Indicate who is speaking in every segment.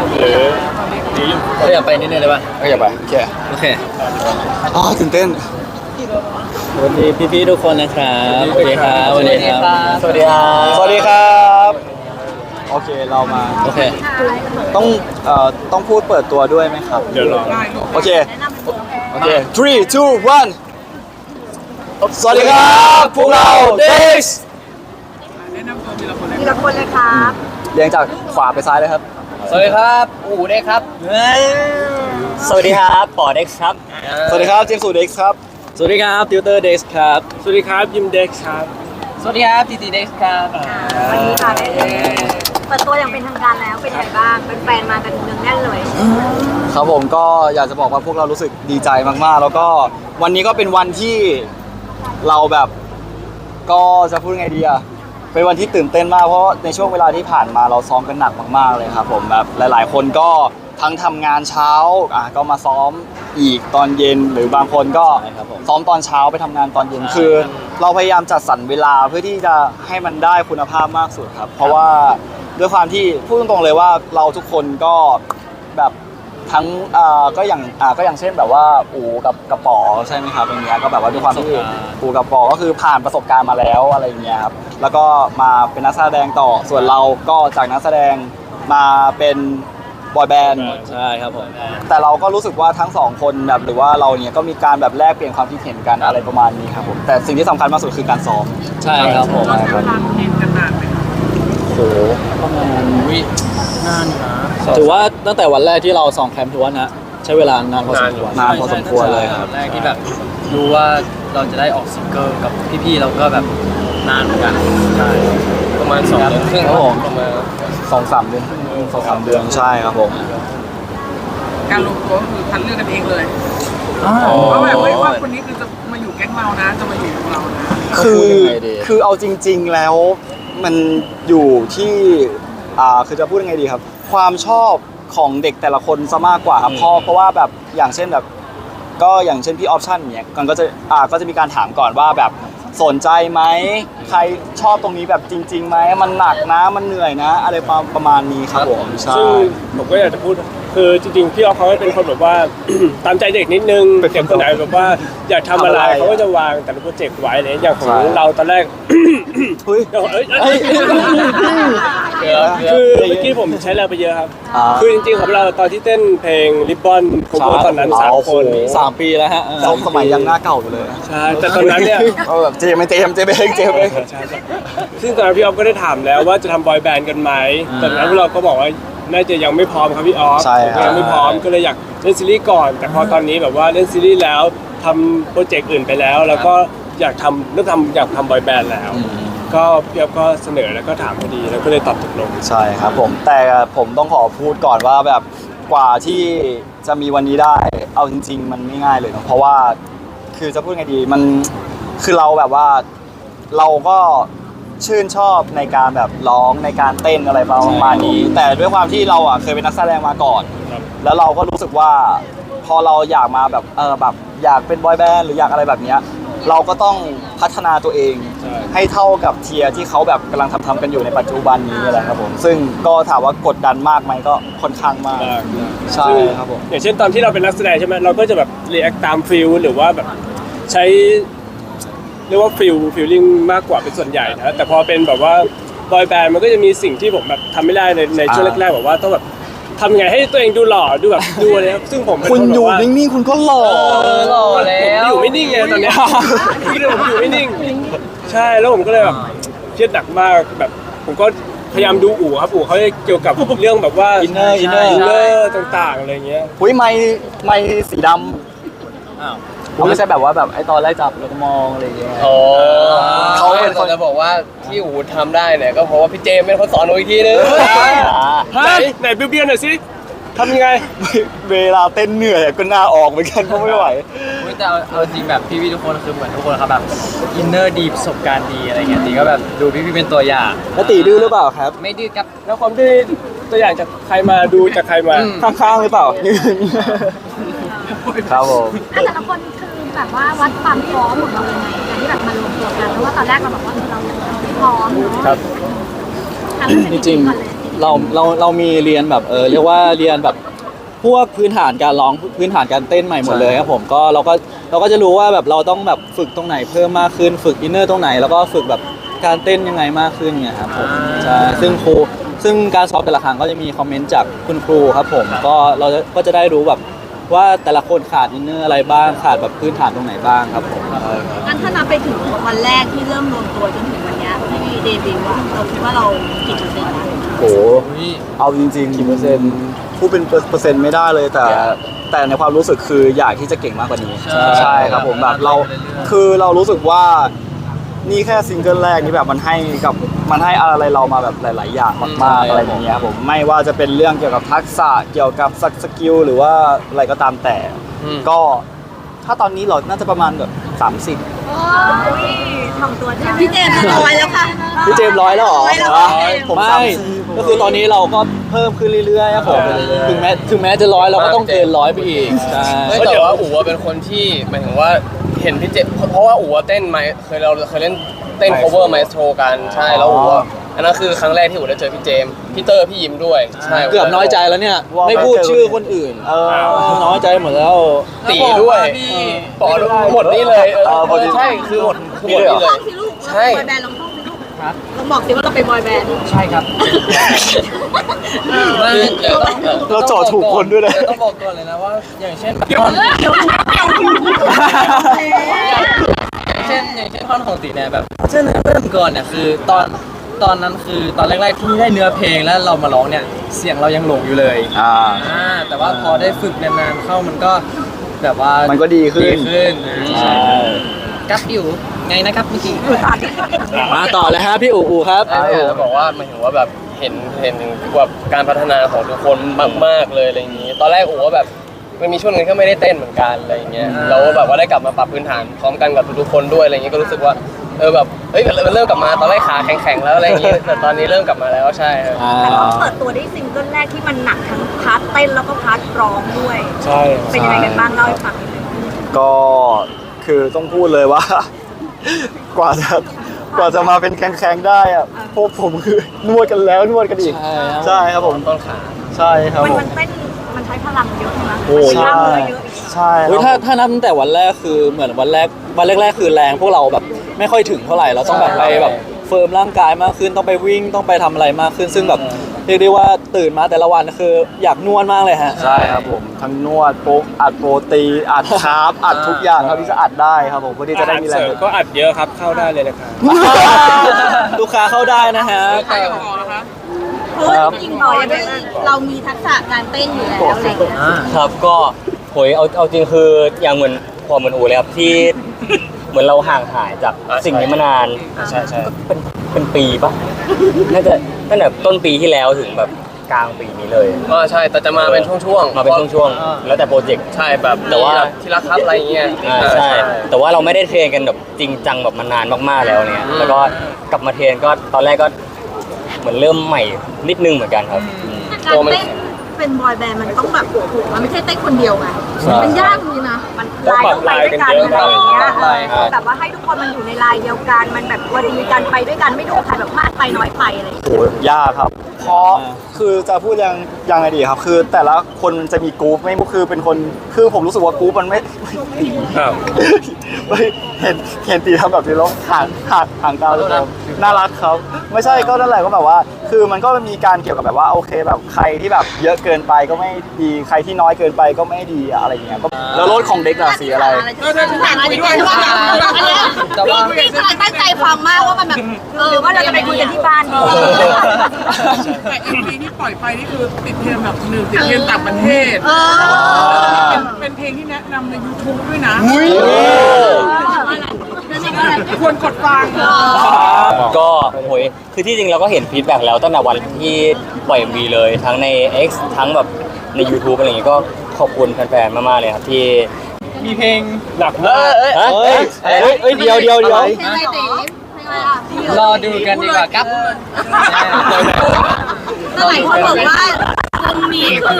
Speaker 1: หรือเราอยากไปนิดนึงเลยป่ะ
Speaker 2: ก็อย่าไปโอเคตื่นเต้น
Speaker 1: สวัสดีพี่ๆทุกคนนะครับสวัสดีครับสวัสดีครับสวัสดีครับ
Speaker 2: สวัสดีครับโอเคเรามา
Speaker 1: โอเค
Speaker 2: ต้องพูดเปิดตัวด้วยไหมครับ
Speaker 1: เดี๋ยวรอ
Speaker 2: โอเค3 2 1สวัสดีครับพวกเรา Dex
Speaker 3: แนะนำตัวทีละคนเลยครับ
Speaker 2: เรียงจากขวาไปซ้ายเลยครับ
Speaker 1: สวัสดีครับอู๋เด็กครับสวัสดีครับปอเด็กครับ
Speaker 2: สวัสดีครับเจมส์สูเด็กครับ
Speaker 1: สวัสดีครับติวเตอร์เด็กครับ
Speaker 4: สวัสดีครับยิมเด็กครับ
Speaker 1: สวัสดีครับทีทีเด็กครับ
Speaker 3: วันนี้ค่ะเปิดตัวอย่างเป็นทางการแล้วเป็นไงบ้างเป็นแฟนมากันเนืองแน่นเลย
Speaker 2: ครับผมก็อยากจะบอกว่าพวกเรารู้สึกดีใจมากๆแล้วก็วันนี้ก็เป็นวันที่เราแบบก็จะพูดไงดีอะเป็นวันที่ตื่นเต้นมากเพราะในช่วงเวลาที่ผ่านมาเราซ้อมกันหนักมากๆเลยครับผมแบบหลายๆคนก็ทั้งทำงานเช้าก็มาซ้อมอีกตอนเย็นหรือบางคนก็ซ้อมตอนเช้าไปทำงานตอนเย็นคือเราพยายามจัดสรรเวลาเพื่อที่จะให้มันได้คุณภาพมากสุดครับเพราะว่าด้วยความที่พูดตรงๆเลยว่าเราทุกคนก็แบบทั้งก็อย่างเช่นแบบว่าอู๋กับกระป๋อใช่ไหมครับอย่างเงี้ยก็แบบว่าด้วยความที่อู๋กับป๋อก็คือผ่านประสบการณ์มาแล้วอะไรอย่างเงี้ยครับแล้วก็มาเป็นนักแสดงต่อส่วนเราก็จากนักแสดงมาเป็นบอยแบนด์
Speaker 1: ใช่ครับผม
Speaker 2: แต่เราก็รู้สึกว่าทั้งสองคนแบบหรือว่าเราเนี่ยก็มีการแบบแลกเปลี่ยนความคิดเห็นกันอะไรประมาณนี้ครับผมแต่สิ่งที่สำคัญมากสุดคือการซ้อม
Speaker 1: ใช่ครับผม
Speaker 3: เราใช้เวลาเรียนกันนานไหมครับ
Speaker 2: โหประมาณ
Speaker 1: นานนะถือว่าตั้งแต่วันแรกที่เราซ้อมแคมป์ถือว่านะใช้เวลานานพอสมควร
Speaker 2: เลยครับ
Speaker 1: แรกที่แบบรู้ว่าเราจะได้ออกซิงเกิลกับพี่ๆเราก็แบบนานเหมือนกันใช่ประมาณ2 เดือนครึ่งครับผมประมาณ
Speaker 2: 2-3 เดือน2-3 เดือนใช่ครับผม
Speaker 3: การลงตัวก็คือคัดเลือกกันเองเลยเพราะแบบไม่ว่าคนนี้คือจะมาอยู่แก๊งเรานะจะมาอยู่กับเรานะ
Speaker 2: คือเอาจริงๆแล้วมันอยู่ที่คือจะพูดยังไงดีครับความชอบของเด็กแต่ละคนซะมากกว่าครับเพราะว่าแบบอย่างเช่นแบบก็อย่างเช่นพี่ออปชั่นเนี่ยมันก็จะมีการถามก่อนว่าแบบสนใจไหมใครชอบตรงนี้แบบจริงๆไหมมันหนักนะมันเหนื่อยนะอะไรประมาณนี้ครับผมใช่
Speaker 4: ซึ่งผมก็อยากจะพูดคือจริงๆพี่ออฟเขาเป็นคนแบบว่า ตามใจเด็กนิดนึงเด็กคนไหนแบบว่าอยากทำอะไรเขาก็จะวางแต่ละโปรเจกต์ไว้เลยอย่างของเราตอนแรกคือเมื่อกี้ผมใช้แรงไปเยอะครับคือจริงๆของเราตอนที่เต้นเพลงริบบอนผมว่าตอนนั้น3 คน
Speaker 1: 3 ปีแล้วฮะ
Speaker 2: สมัยยังหน้าเก่าอยู่เลย
Speaker 4: ใช่แต่ตอนนั้นเนี่ย
Speaker 2: เจมเอง
Speaker 4: ซึ่งตอนนั้นพี่ออฟก็ได้ถามแล้วว่าจะทำบอยแบนด์กันไหมตอนนั้นเราก็บอกว่าน่าจะยังไม่พร้อมครับพี่ออฟยังไม่พร้อมก็เลยอยากเล่นซีรีส์ก่อนแต่พอตอนนี้แบบว่าเล่นซีรีส์แล้วทำโปรเจกต์อื่นไปแล้วแล้วก็อยากทำบอยแบนด์แล้วก็พี่ออฟก็เสนอแล้วก็ถามพอดีแล้วก็เลยตอบตกลง
Speaker 2: ใช่ครับผมแต่ผมต้องขอพูดก่อนว่าแบบกว่าที่จะมีวันนี้ได้เอาจริงๆมันไม่ง่ายเลยนะเพราะว่าคือจะพูดไงดีมันคือเราแบบว่าเราก็ชื่นชอบในการแบบร้องในการเต้นอะไรประมาณนี้แต่ด้วยความที่เราเคยเป็นนักแสดงมาก่อนแล้วเราก็รู้สึกว่าพอเราอยากมาแบบแบบอยากเป็นบอยแบนด์หรืออยากอะไรแบบนี้เราก็ต้องพัฒนาตัวเองให้เท่ากับเทียร์ที่เขาแบบกำลังทำกันอยู่ในปัจจุบันนี้อะไรครับผมซึ่งก็ถามว่ากดดันมากไหมก็ค่อนข้างมากใช่ครับผม
Speaker 4: อย่างเช่นตอนที่เราเป็นนักแสดงใช่ไหมเราก็จะแบบรีแอคตามฟิลหรือว่าแบบใช้เรียกว่าฟิลลิ่งมากกว่าเป็นส่วนใหญ่นะแต่พอเป็นแบบว่าบอยแบนด์มันก็จะมีสิ่งที่ผมแบบทำไม่ได้ในช่วงแรกๆแบบว่าต้องแบบทำไงให้ตัวเองดูหล่อดูแบบดูอะไรซึ่งผม
Speaker 2: คุณอยู่นิ่งๆคุณก็หล่อ
Speaker 4: แล้วผมอยู่ไม่นิ่งไงตอนนี้ผมอยู่ไม่นิ่งใช่แล้วผมก็เลยแบบเครียดหนักมากแบบผมก็พยายามดูอู๋ครับอู๋เขาเกี่ยวกับเรื่องแบบว่า
Speaker 2: อินเนอ
Speaker 4: ร์ต่างๆอะไรเงี้ย
Speaker 2: อุ้ยไม่สีดำไม่ใช่แบบว่าแบบไอตอนแรกจับแล้วก็มองอะไรอย่างเงี้ย
Speaker 1: เขาเป็นคนจะบอกว่าที่อู๋ทำได้เนี่ยก็เพราะว่าพี่เจมเป็นคนสอนหนูอีกทีนึง
Speaker 4: ไหนเบี้ยวๆหน่อยสิทำยังไง
Speaker 2: เวลาเต้นเหนื่อยก็หน้าออกเหมือนกันเพราะไม่ไหว
Speaker 1: แต่เอาจริงแบบพี่ๆทุกคนคือเหมือนทุกคนครับแบบอินเนอร์ดีประสบการณ์ดีอะไรเงี้ยตีก็แบบดูพี่ๆเป็นตัวอย่าง
Speaker 2: แล้วตีดื้อหรือเปล่าครับ
Speaker 1: ไม่ดื้อครับ
Speaker 4: แล้วความดื้อตัวอย่างจากใครมาดูจากใครมา
Speaker 2: ข้างๆหรือเปล่าครับผม
Speaker 3: แต่ละคนคือแบบว่าวัดความพร้อมของเรายังไงการที่แบบมารวมตัวกันเพราะว่าตอนแรกเราบอกว่าเราไม่พร้อมเนาะ
Speaker 2: ครับ
Speaker 3: จริง
Speaker 2: เรามีเรียนแบบเรียกว่าเรียนแบบพวกพื้นฐานการร้องพื้นฐานการเต้นใหม่หมดเลยครับผมก็เราก็จะรู้ว่าแบบเราต้องแบบฝึกตรงไหนเพิ่มมากขึ้นฝึกอินเนอร์ตรงไหนแล้วก็ฝึกแบบการเต้นยังไงมากขึ้นเนี่ยครับผมใช่ซึ่งการซ้อมแต่ละครั้งก็จะมีคอมเมนต์จากคุณครูครับผมก็เราก็จะได้รู้แบบว่าแต่ละคนขาดอินเนอร์อะไรบ้างขาดแบบพื้นฐานตรงไหนบ้างครับผม
Speaker 5: งั้นถ้านับไปถึงวันแรกที่เริ่มรวมตัวจนถึงวันเนี้ยที่เดบิวต์อะเราคิดว่าเรากี่เปอร์เซ็นต์นะ
Speaker 2: โหเอาจริงๆกี่เปอร์เซ็นต์พูดเป็นเปอร์เซ็นต์ไม่ได้เลยแต่ในความรู้สึกคืออยากที่จะเก่งมากกว่านี้ใช่ครับผมแบบคือเรารู้สึกว่านี่แค่ซิงเกิลแรกนี่แบบมันให้อะไรเรามาแบบหลายๆอย่างมากๆอะไรอย่างเงี้ยครับผมไม่ว่าจะเป็นเรื่องเกี่ยวกับทักษะเกี่ยวกับสกิลหรือว่าอะไรก็ตามแต่ก็ถ้าตอนนี้เราน่าจะประมาณแบบ30
Speaker 5: โอ้ยทำตัวได้พี่เจมส์ร้อยแล้วค่ะ
Speaker 2: พี่เจมส์ร้อยแล้วเหรอ
Speaker 5: ร้อยแล้ว
Speaker 2: ผม
Speaker 1: ไม่
Speaker 2: 30ก็คือตอนนี้เราก็เพิ่มขึ้นเรื่อยๆครับผมถึงแม้จะร้อยเราก็ต้องเกินร้อยไปอีกใช่
Speaker 1: ไม่แต่ว่าอู๋เป็นคนที่หมายถึงว่าเห็นพี่เจเพราะว่าอู๋เต้นไมเราเคยเล่นเต้น cover maestro กันใช่แล้วอู๋อันนั้นคือครั้งแรกที่อู๋ได้เจอพี่เจมพี่เตอร์พี่ยิมด้วยใช่
Speaker 2: เกือบน้อยใจแล้วเนี่ยไม่พูดชื่อคนอื่นน้อยใจหมดแล้ว
Speaker 1: ตีด้วยปอหมดนี่เลยใช่คือหมดนี่เลย
Speaker 5: ลองท่องสิลูกเราเป็นบอยแบนด์ลองท่องสิลูกลองบอกสิว่าเราเป็นบอยแบนด์
Speaker 1: ใช่ครับ
Speaker 2: เราเจาะถูกคนด้วยนะ
Speaker 1: ต้องบอกก่อนเลยนะว่าอย่างเช่น อย่างเช่นท่อนของตีเนี่ยแบบเช่นเริ่มก่อนเนี่ยคือตอนนั้นคือตอนแรกๆที่ได้เนื้อเพลงแล้วเรามาร้องเนี่ยเสียงเรายังหลงอยู่เลยแต่ว่าพอได้ฝึกนานๆเข้ามันก็แบบว่ามัน
Speaker 2: ก็ดีขึ้น
Speaker 1: ใช่กับอยู่ไงนะครับเมื่อกี้
Speaker 2: มาต่อเลยฮะพี่อู๋ครับ
Speaker 1: จะบอกว่าหมายถึงว่าแบบเห็นแบบการพัฒนาของทุกคนมากๆเลยอะไรอย่างนี้ ตอนแรกอู๋ว่าแบบมันมีช่วงนึงที่ไม่ได้เต้นเหมือนกันอะไรอย่างเงี้ยเราแบบว่าได้กลับมาปรับพื้นฐานพร้อมกันกับทุกๆคนด้วยอะไรอย่างเงี้ยก็รู้สึกว่าแบบเฮ้ยมันเริ่มกลับมาตอนแรกขาแข็งๆแล้วอะไรอย่างเงี้ยแต่ตอนนี้เริ่มกลับมาแล้วใช่ครับ
Speaker 5: แต่เราเปิดตัวได้ซิงเกิลแรกที่มันหนักทั้งพาร์ทเต้นแล้วก็พาร์ทร้องด้วย
Speaker 4: ใช่
Speaker 5: เป็นยังไงกันบ้างเล่าให้ฟังนิดนึง
Speaker 2: ก็คือต้องพูดเลยว่า กว่าจะมาเป็นแข็งๆได้อะพวกผมคือนวดกันแล้วนวดกันอีกใช่ครับผม
Speaker 1: ต้นขา
Speaker 2: ใช่ครับผม
Speaker 5: มันเต้นมันใช้พลังเยอะนะ
Speaker 2: โอ้
Speaker 5: ใช่
Speaker 2: ใช่
Speaker 5: เยอะ
Speaker 2: ใช่
Speaker 6: ถ้านับตั้งแต่วันแรกคือเหมือนวันแรกคือแรงพวกเราแบบไม่ค่อยถึงเท่าไหร่เราต้องแบบไปแบบเฟิร์มร่างกายมากขึ้นต้องไปวิ่งต้องไปทำอะไรมากขึ้น ซึ่งแบบเรียกได้ว่าตื่นมาแต่ละวันคืออยากนวดมากเลยฮะ
Speaker 2: ใช่ครับผมทั้งนวดโป๊กอัดโปรตีนอัดคาร์บอัดทุกอย่างครับที่จะอัดได้ครับผมเพื่อที่จะได้มีแร
Speaker 4: เส
Speaker 2: ง
Speaker 4: ริมก็อัดเยอะครับเข้าได้เลยนะครับ
Speaker 6: ลูกค้าเข้าได้นะฮะ
Speaker 3: ใครต่อนะคะ
Speaker 5: เพราะว่าจริงๆต่อยด้วยเรามีทักษะการเต้นอยู่แล้วอะไรอย่างเงี้ย
Speaker 7: ครับก็โหยเอาจริงคืออย่างเหมือนอูเลยครับที่เหมือนเราห่างหายจากสิ่งนี้มานาน
Speaker 1: ใช่
Speaker 7: เป็นปีปะน่าจะตั้งแต่ต้นปีที่แล้วถึงแบบกลางปีนี้เลย
Speaker 1: ใช่แต่จะมาเป็นช่วงๆ
Speaker 7: มาเป็นช่วงๆแล้วแต่โปรเจกต์
Speaker 1: ใช่แบบ
Speaker 7: แต่ว่า
Speaker 1: ที่รักครับอะไรอย่างเงี้ย
Speaker 7: ใช่แต่ว่าเราไม่ได้เทรนกันแบบจริงจังแบบมานานมากๆแล้วเนี่ยแล้วก็กลับมาเทรนก็ตอนแรกก็เหมือนเริ่มใหม่นิดนึงเหมือนกันครับ
Speaker 5: การเต้นเป็นบอยแบนด์มันต้องแบบโอ้โหมันไม่ใช่เต้นคนเดียวไงมันยากจริงนะมันลายต้องไปด้วยกันอะไรอย่างเงี้ยแบบว่าให้ทุกคนมันอยู่ในลายเดียวกันมันแบบพอดีกันไปด้วยกันไม่ดูใครแบบมากไปน้อยไปอะไรอย่างเงี้ย
Speaker 2: โหยากครับ เพราะคือจะพูดยังไงดีครับ คือแต่ละคนมันจะมีกรุ๊ปไม่คือเป็นคนคือผมรู้สึกว่ากรุ๊ปมันไม่
Speaker 4: อ้าว
Speaker 2: ไม่เห็นตีทำแบบนี้แล้วห่างตาเลยครับน่ารักครับไม่ใช่ก็นั่นแหละก็แบบว่า คือมันก็มีการเกี่ยวกับแบบว่าโอเคแบบใครที่แบบเยอะเกินไปก็ไม่ดีใครที่น้อยเกินไปก็ไม่ดีอะไรอย่างเงี้ยก็แล้วรถของเด็กอะสีอะไร
Speaker 5: แต่คุยด้วยว่าแบบพี่กำลังตั้งใจฟังมากว่ามันแบบหรือว่าเราจะไปคุยกันที่บ้านดี
Speaker 3: แต่ MV ที่ปล่อยไปนี่คือติดเทรนด์แบบ1ติดเทรนด์ต่างประเทศเป็นเพลงที่แนะนำใน YouTube ด้วยนะควรกดฟัง
Speaker 7: ก็โหยคือที่จริงเราก็เห็นฟีดแบ็กแล้วตั้งแต่วันที่ปล่อย MV เลยทั้งใน X ทั้งแบบใน YouTube อะไรอย่างงี้ก็ขอบคุณแฟนๆมากๆเลยครับที่
Speaker 6: มีเพลง
Speaker 4: หนักมาก
Speaker 6: เดี๋ยว
Speaker 5: เพลงอะไรตีเพลงอะไรอ่ะ
Speaker 1: รอดูกันดีกว่าครับ
Speaker 5: หลายคนบอกว่าวงนี้คือ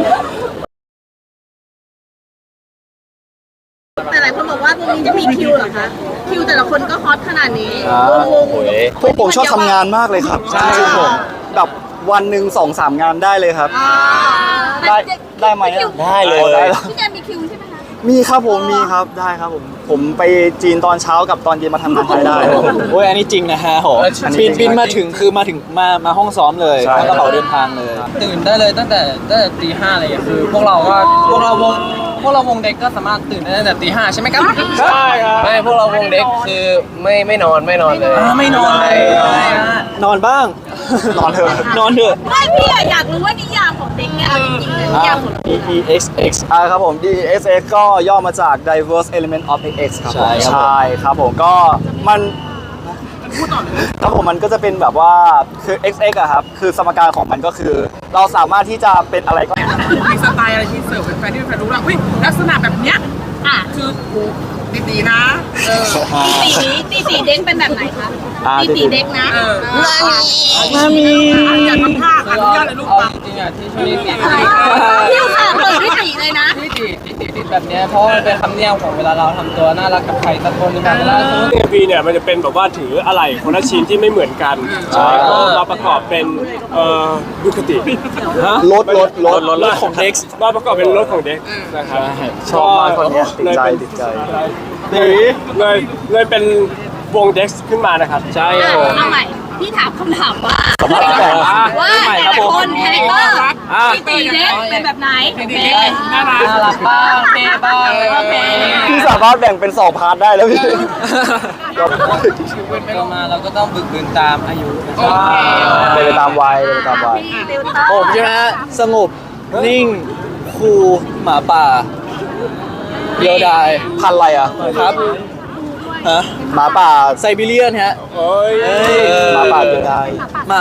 Speaker 5: แต่หลายคนบอกว่าวงนี้จะมีคิวเหรอคะคิวแต่ละคนก็ฮอตขนาดนี้วง
Speaker 7: โหย
Speaker 2: พวกผมชอบทำงานมากเลยครับจริงๆผมแบบวันหนึ่ง2-3 งานได้เลยครับ ได้ไหมอะ
Speaker 7: ได้เลย
Speaker 2: ได้แล้ว
Speaker 5: พี่แจมมีคิวใช่ไหมคะ
Speaker 2: มีครับผมมีครับได้ครับผมไปจีนตอนเช้ากับตอนเย็นมาทำงานไทยได้ครับผม
Speaker 6: โอ้ยอันนี้จริงนะฮะโห
Speaker 2: อันนี้จริง
Speaker 6: บินมาถึงคือมาถึงมาห้องซ้อมเลย
Speaker 2: ใช่
Speaker 6: แล้วกระเป๋าเดินทางเลย
Speaker 8: ตื่นได้เลยตั้งแต่ตี 5อะไรอย่างเงี้ยคือพวกเราวงเด็กก็สามารถตื่นได้ตั้งแต่ตี 5ใช่ไหมครับ
Speaker 4: ใช่ครับ
Speaker 1: ไม่พวกเราวงเด็กคือไม่นอนเลย
Speaker 8: ไม่นอนเลย
Speaker 6: นอนบ้าง
Speaker 2: นอนเถอะ
Speaker 6: นอนเถอะ
Speaker 5: ไม่พี่อยากรู้ว่านิยามของเด็กเนี่ยเอาจริงๆเลยนิยามของ
Speaker 6: DEXX
Speaker 2: ครับผม DEXX ก็ย่อมาจาก Diverse Element of X ครับผม
Speaker 6: ใช่ครับ
Speaker 2: ใช่ครับผมก็มันครับผมมันก็จะเป็นแบบว่าคือ XX อะครับคือสมการของมันก็คือ เราสามารถที่จะเป็นอะไรก็
Speaker 3: มีสไตล์อะไรที่เสิร์ฟเป็นแฟนที่เป็นแฟนรู้แล้วลักษณะแบบเนี้ย
Speaker 5: อ่ะ
Speaker 3: คือโอ้ดีๆนะ
Speaker 5: ตีสีเด็กเป็นแบบไหนคะตีสีเด็กนะ
Speaker 3: มามีอย่าทำท่าอนุญาตเลยลูก
Speaker 8: เอา
Speaker 3: มา
Speaker 8: จริงๆอ่ะที่ช่วงนี้ติด
Speaker 5: พี่ค่ะเปิดพี่ตีเลยนะ
Speaker 8: ติดแบบเนี้ยเพราะมันเป็นคำเนียมของเวลาเราทำตัวน่ารักกับใครสักคนหนึงแบบเวลาสมมติ
Speaker 4: MV เนี่ยมันจะเป็นแบบว่าถืออะไรคนละชิ้นที่ไม่เหมือนกันแล้วก็มาประกอบเป็นดูคติ
Speaker 2: รถ
Speaker 4: รถของเด็กมาประกอบเป็นรถของเด็กนะครับ
Speaker 2: ชอบมากคนเนี้ยติดใจติดใจ
Speaker 4: เลยเป็นวงเด็กขึ้นมานะครับใช่
Speaker 5: เอาใหม่ พี่ถามคำถามว่าว่าแต่ละคนคาแรคเตอร์พี่ตีเด็กเป็นแบบไหน
Speaker 3: ดีๆน่ารัก
Speaker 8: น่ารักบ้างเท่บ้าง
Speaker 5: โอเค
Speaker 2: พี่สามารถแบ่งเป็น2 พาร์ทได้แล้วพี่
Speaker 8: เรามาเราก็ต้องบึกบืนตามอายุ
Speaker 2: เป็นไปตามวัยเป็นไปตามวัย
Speaker 5: พี่ติวเตอร์
Speaker 6: ผมใช่ไหมฮะสงบนิ่งคูลหมาป่าเดียวดาย
Speaker 2: พันธุ์อะไรอ่ะ
Speaker 6: ครับฮะ
Speaker 2: หมาป่า
Speaker 6: ไซบีเรียนฮะ
Speaker 4: โอ้ย
Speaker 2: หมาป่าเป็นได้
Speaker 6: ห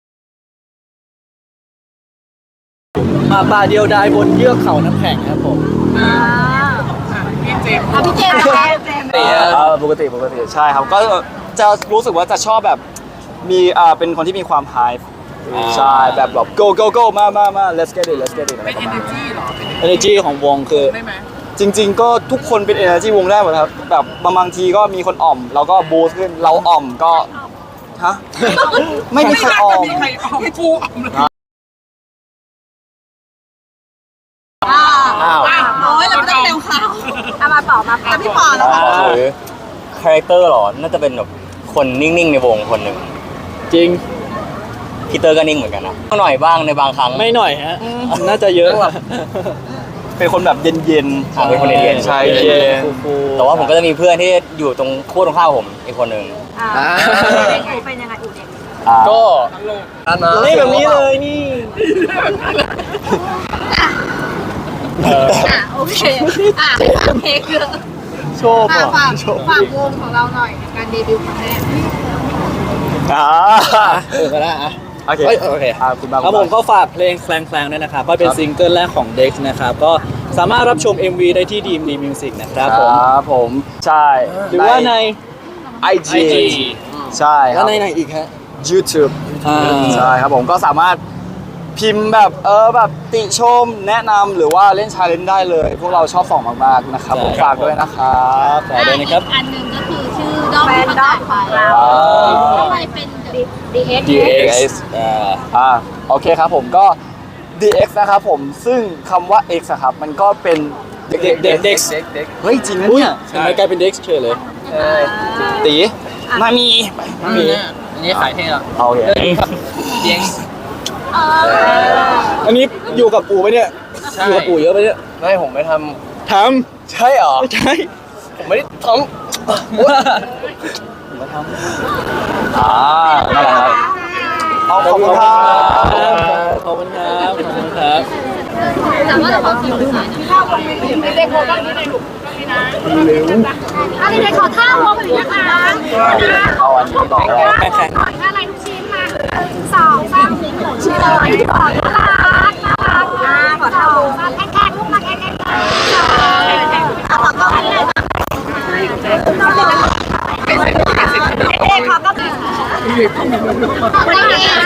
Speaker 6: มาป่าเดียวดายบนเยือกเขาน้ำแข็งครับผม
Speaker 3: พี่เจมส์
Speaker 5: พี่เจมส์นะคะ
Speaker 2: ปกติใช่ครับก็จะรู้สึกว่าจะชอบแบบมีเป็นคนที่มีความไฮใช่แบบgoมา let's get it อะไร
Speaker 3: เป็น
Speaker 2: ประมาณ
Speaker 3: energy เหรอเป็น
Speaker 6: energy ของวงคือ
Speaker 3: ได้ไหม
Speaker 2: จริง ๆ ก็ทุกคนเป็น energy วงได้หมดครับแบบบางทีก็มีคนอ่อมเราก็บูสต์ขึ้นเราอ่อมก็ฮะไม่มีใครอ่อม
Speaker 3: มีใครออมกูออมเลย
Speaker 5: โอ้ยเราไม่ต้องเร็วเขาเอามาต่อมาแต่พี่ปอแล้วค่ะ
Speaker 7: หรือคาแรคเตอร์หรอ น่าจะเป็นแบบคนนิ่งๆในวงคนหนึ่ง
Speaker 6: จริง
Speaker 7: พีเตอร์ก็นิ่งเหมือนกันนะหน่อยบ้างในบางครั้ง
Speaker 6: ไม่หน่อยฮะ น่าจะเยอะ
Speaker 2: เป็นคนแบบเย็น
Speaker 7: เป็นคนเย็นๆ
Speaker 2: ใช่เย็น
Speaker 7: แต่ว่าผมก็จะมีเพื่อนที่อยู่ตรงขั้วตรงข้ามผมอีกคนหนึ่ง
Speaker 5: เป็นยังไงอยู่เด็ก
Speaker 1: ก็นะ
Speaker 6: นี่แบบนี้เลยนี่
Speaker 5: โอเคเพลงเยอะ
Speaker 6: โชว์
Speaker 5: ฝากวงของเราหน่อยการเดบิวต์ครั้งแรก
Speaker 6: ก็ได้อะ
Speaker 2: โอเค
Speaker 6: โอเค
Speaker 2: คุณบ้าง
Speaker 6: ครับผมก็ฝากเพลงแคลงๆด้วยนะครับก็เป็นซิงเกิลแรกของ Dex นะครับ ก็สามารถรับชม MV ได้ที่ DMD Music นะครับผม
Speaker 2: ครับผมใช่
Speaker 6: หรือว่าใน
Speaker 2: IG ใช่ค
Speaker 6: แล้
Speaker 2: รั
Speaker 6: ว
Speaker 2: บ
Speaker 6: ในไหนอีกฮะ
Speaker 2: YouTube
Speaker 6: อ่า
Speaker 2: ใช่ครับผมก็สามารถพิมพ์แบบแบบติชมแนะนำหรือว่าเล่นชาเลนจ์ได้เลย พวกเราชอบส่องมากๆนะครับผมฝากด้วยนะครับ
Speaker 6: ฝากด้วยนะครับ
Speaker 5: อันหนึ่งก็คือชื่อด้อมประกาศของเราทำไมเป็น DX
Speaker 6: DX
Speaker 2: โอเคครับผมก็ DX นะครับผมซึ่งคำว่า X อะครับมันก็เป็นเด็ก
Speaker 6: Dex
Speaker 2: เฮ้ยจริงนะ
Speaker 6: อุ้ย
Speaker 2: เนี่ย
Speaker 6: ทำไมกลายเป็น Dex เฉยเลย
Speaker 2: ตีมามี
Speaker 8: อันนี้ขายเท่ละ
Speaker 2: โอเค
Speaker 8: DX
Speaker 6: อันนี้อยู่กับปู่ไหมเนี่ย อยู่กับปู่เยอะไหมเนี่ย
Speaker 1: ไม่ผมไม่ท
Speaker 6: ท
Speaker 1: ำใช่เหรอ
Speaker 6: ำไม่ใช่
Speaker 1: ผมไม่ได้ท
Speaker 2: นั่นแหละครับขอบคุณครับ
Speaker 6: ขอบคุณครับขอบคุณครับ
Speaker 5: แต่ว่าเราคิวสายนะข้าววงไม่ได้โคกันนี่ในหลุมอันนี้ในขอท่าวงหน่อยนะคะ
Speaker 2: เอาอันนี้ต่อเลย
Speaker 6: แข่ง
Speaker 5: หน่อยอะไรทุกชิ้นมา2 3ชื่ออะไรขอน่ารักขอท่าวงแข่งลูกมาแข่งขอต้องเลยขอก็ได้